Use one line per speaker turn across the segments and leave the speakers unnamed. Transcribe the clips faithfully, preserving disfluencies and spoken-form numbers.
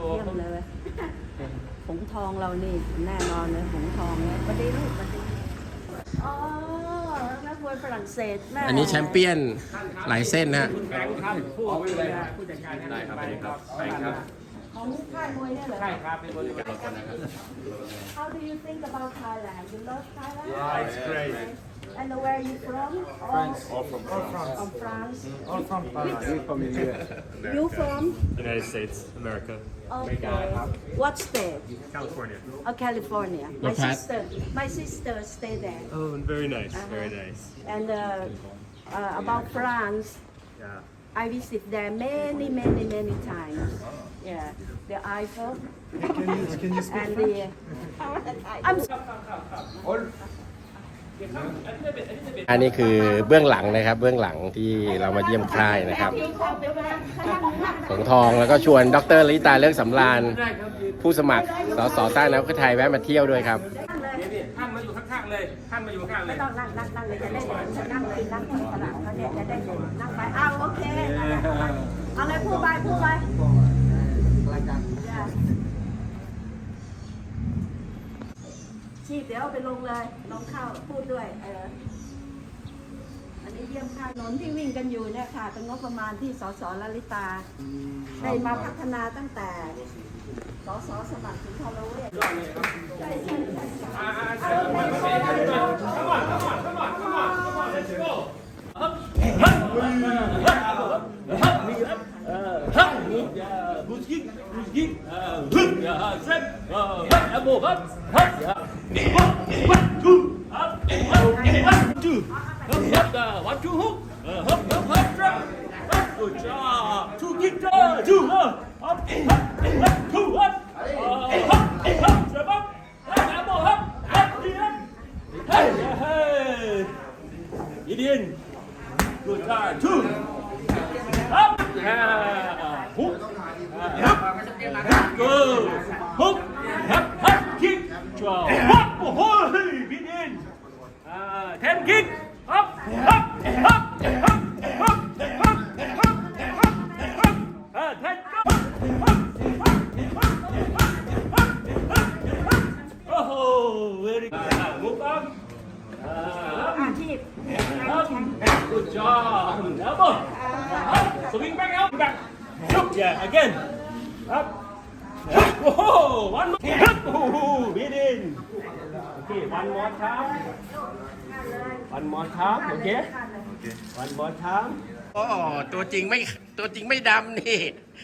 เยี่ยมเลยหงทองเรานี่แน่นอนเลยหงทองเนี่ยประเดี๋ยวลูกประเดี๋ยวอ๋อนักมวยฝรั่งเศสแม่
อันนี้แชมเปี้ยนหลายเส้นนะฮะ
แบงค์ครับผู้ผู้จัดการได้ครับครับใช่ครับ
ของค่ายมวยเนี่ยเหรอ
ใช่ครับเป็นบริการ
How do you think about Thailand? You love Thailand?
Yeah, it's great.
And where are you from?
France.
All,
All from France.
from France.
All from France. We from India.
You from?
United States, America,
Okay. What state?
California.
Oh, California. My
What part?
sister. My sister stay there.
Oh, very nice, very
Uh-huh.
nice.
And uh, uh, about France,
Yeah.
I visit there many, many, many times. Yeah, the Eiffel
Can you, can you speak
and
French?
the. I'm.
อันนี้คือเบื้องหลังนะครับ เบื้องหลังที่เรามาเยี่ยมค่ายนะครับหงทองแล้วก็ชวนดรลิตาเลิกสำราญผู้สมัครสสสร้างน้ำเพื่อไทยแวะมาเที่ยวด้วยครับ
ท่านมาอยู่ข้างๆเลยท่านมาอยู่ข้างๆเล
ไม่
ย
ต้องนั่งนั่งนั่งเลยจะได้เห็นจะนั่งเลยนั่งที่ตลาดเขาเนี่ยจะได้เห็นนั่งไปอ้าวโอเคนั่นแหละเอาเลยพูดไปพูดไปชีพเดี๋ยวเอาไปลงเลยลงเข้าพูดด้วยเอออันนี้เยี่ยมค่ายถนนที่วิ่งกันอยู่เนี่ยค่ะเป็นงบประมาณที่สสลลิตาได้มาพัฒนาตั้งแต่สสสมัครถึงทรเวช
One, two, hook. Hop, hop, hop, drop. Good job. Two, kick, two, hop, hop, hop, two, hop. Hop, hop, drop up. Elbow, hop, hop, Gideon. Hey, hey. Gideon. Good time. Two. Up. Yeah. Hook. Good. Hook. Hop, hop, kick. Drop. Hop. Oh, hey, Gideon. Uh, ten kick. Up, up, up, up, up, up, up, up. Uh, ten go. Oh, very good. Move on. Uh,
อาชีพ
up. Good job. Elbow. Up. Swing back out. Back. Up. Yeah, again. Up. Oh, one more. Up. Oh, beat in. Okay, one more time. One more time, okay? One more time.
โอ้ตัวจริงไม่ตัวจริงไม่ดำนี่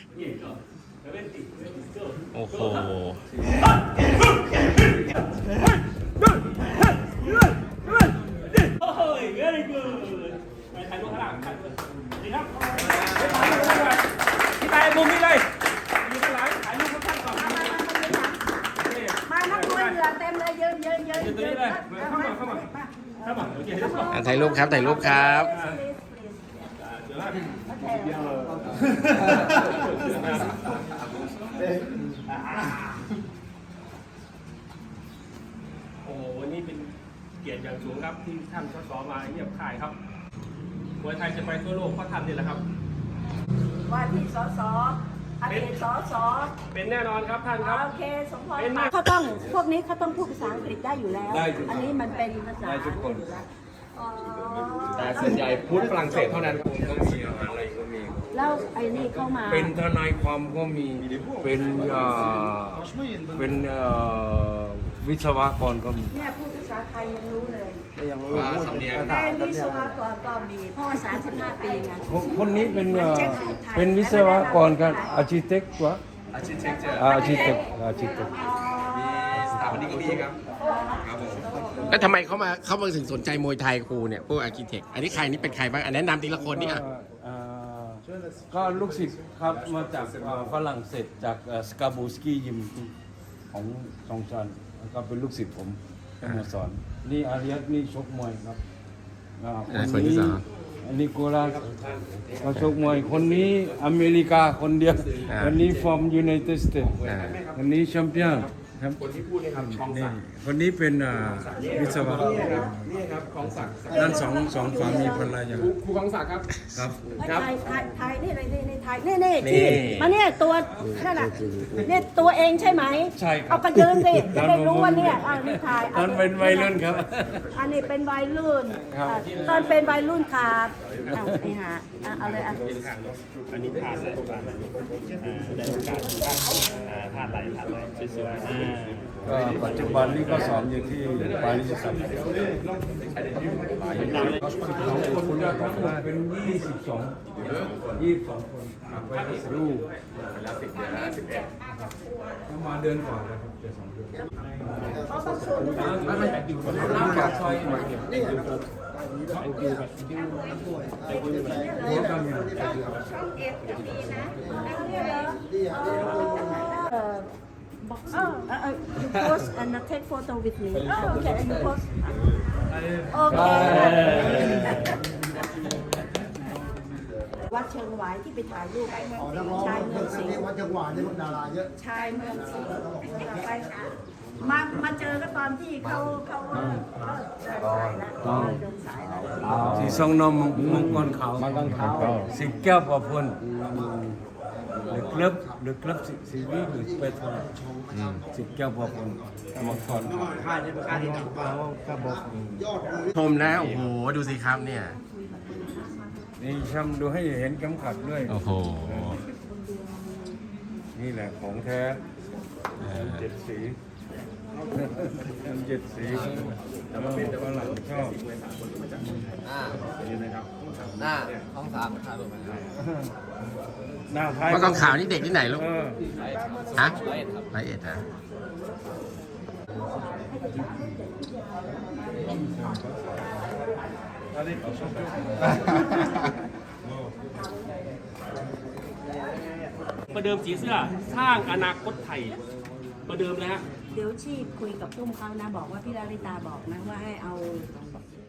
โอ้โห
Oh, very good. ไปถ่ายรูปข้างหลังถ่ายรูปดีครับที่ถ่ายมุมนี้เลยอยู่ข้างหลังถ่ายรูปข้างๆก่อน
มานักมวยเหงื่อเต็มเลยยืนยืนยืน
อยู่ตรงนี้เลยเข้ามาเข้ามาเข้ามาโอเคเข้ามา
อ่ะถ่ายรูปครับถ่ายรูปครับ
เดี๋ยวนะโอ้วันนี้เป็นเกียรติอย่างสูงครับที่ท่านสสมาเยี่ยมค่ายครับมวยไทยจะไปทั่วโลกเพราะท่านนี่แหละครับ
ว่าที่สสอดีตสส
เป็นแน่นอนครับท่านครับ
โอเคสมพรเขาต้องพวกนี้เขาต้องพูดภาษาอังกฤษได้อยู่แล้ว อันนี้มันเป็นภาษาได้ทุกคนอ๋อ
แต่ส่วนใหญ่พูดฝรั่งเศสเท่านั้นก็มีอะไรก็มี
แล้วไอ้นี่เข้ามา
เป็นทนายความก็มี เป็นเอ่อเป็นเอ่อวิศวกรก็มี
เนี่ยพูดภาษาไทยยังรู้เลย
ยังรู้พูด
เป็นวิศวกรก็มีเพราะว่าสามสิบห้าปีไง
คนนี้เป็นเอ่อเป็นวิศวกรกันอาร์คิเทคต์วะอาร์คิเทคอาร์คิเทคอาร์คิเทค
สถาปนิกก็มีครับ ครับผม แล้วทำไมเขามาเขามาถึงสนใจมวยไทยครูเนี่ยพวกอาร์คิเทค อันนี้ใครนี่เป็นใครบ้าง อันแนะนำทีละคนนี่อ่ะ
เอ่อก็ลูกศิษย์ครับมาจากเอ่อฝรั่งเศสจากสกาบูสกี้ยิมของทองจันทร์แล้วก็เป็นลูกศิษย์ผมมาสอน นี่อาริยัตนี่ชกมวยครับอ่า
อ่าคนที่สอง
อันนี้โกลาสเขาชกมวยคนนี้อเมริกาคนเดียว
อ่า
คนนี้ from United States
อ่า
คนนี้แชมเปี้ยนครับคนที่พูดนี่ครับนี่คนนี้เป็นอ่าวิศวะ
นี่ครับของศักดิ์
นั่นสองสองสามีภรรยา
ครูของศักดิ์ครับ
ครับ
ถ่ายถ่ายถ่ายนี่เลยนี่นี่ถ่ายนี่นี่
นี่
ที่มาเนี่ยตัวนั่นน่ะเนี่ยตัวเองใช่ไหม
ใช่ครับ
เอากระยืนสิจะได้รู้ว่าเนี่ยอ่านี่ถ่าย
ตอนเป็นวัยรุ่นครับ
อันนี้เป็นวัยรุ่น
ครับ
อ่ะตอนเป็นวัยรุ่นครับอ่ะนี่ฮะอ่ะเอาเลยอ่ะ
อันนี้ผ่านเลยผ่านเลยอ่าได้โอกาสอ่าผ่านไหลผ่านไหลสวยๆอ่า
ก็ปัจจุบันนี้ก็สอนอยู่ที่ปารีสครับสองคนก็ทั้งหมดเป็นยี่สิบสองยี่สิบสองคนไปดูประมาณเดือนกว่าแล้วครับจะสองเดือนน้ำปากซอยนี่
เอ่อบอกเออเออเออ you post and take photo with me อ๋อโอเค you post โอเค วัดเชิงหวายที่ไปถ่ายรูปชายเมืองสิงห์
วัดจังหวะนี่ดาราเยอะ
ชายเมืองสิงห์ไปมามาเจอก็ตอนที่เขาเขาเออเดินสายแล้วเดินสายแล้ว
สีทรงนมมังกรขาวมังกรขาวสิบแก้วประพลหรือเคลือบหรือเคลือบสีวีหรือเปโตรสิบแก้วประพลมังกรขาว
ชมนะโอ้โหดูสิครับเนี่ย
นี่ช้ำดูให้เห็นเข็มขัดด้วย
โอ้โห
นี่แหละของแท้เจ็ดสีเจ็ดสีแต่ว่าฝรั่งชอบ
หน้าท้องสามขาดลงมา
หน้าท้าย
มังกรขาวนี่เด็กที่ไหนลูก
เออ
ฮะร้อยเอ็ดฮะ
ประเดิมสีเสื้อสร้างอนาคตไทย ประเดิมนะฮะ
เดี๋ยวชีพคุยกับพุ่มเขานะบอกว่าพี่ลาลิตาบอกนะว่าให้เอา